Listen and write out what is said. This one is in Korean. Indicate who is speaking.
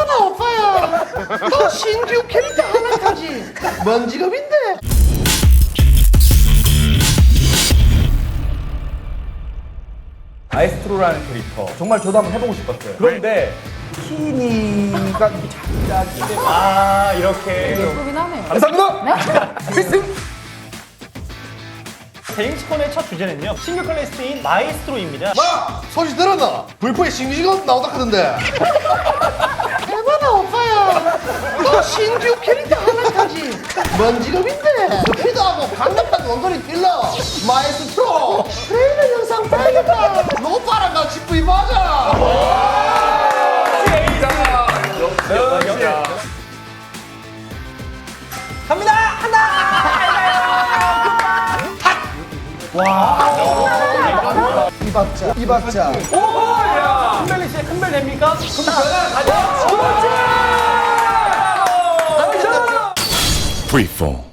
Speaker 1: 해봐라 오빠야. 너 신규 캐릭터 하나 타지. 뭔 직업인데?
Speaker 2: 마에스트로라는 캐릭터 정말 저도 한번 해보고 싶었어요. 그런데 키니가 작작인데 이렇게
Speaker 3: 예쁘긴 하네요.
Speaker 2: 감사합니다. 필승.
Speaker 4: 제임스콘의 첫 주제는요, 신규 클래스인 마에스트로입니다.
Speaker 1: 마! 소식 들었나? 불포에 신규 직업 나온다 하던데. 해봐라 오빠야. 너 신규 캐릭터 하나 타지. 뭔 직업인데? 스피드하고 강력한 원거리 딜러 마에스트로. 트레일러 영상 봐야겠다. 너 오빠랑 같이 부임하자.
Speaker 4: 갑니다!
Speaker 1: 이박자.
Speaker 4: 오! 큰벨리 씨의 큰벨 됩니까? 가자!
Speaker 5: Freefall.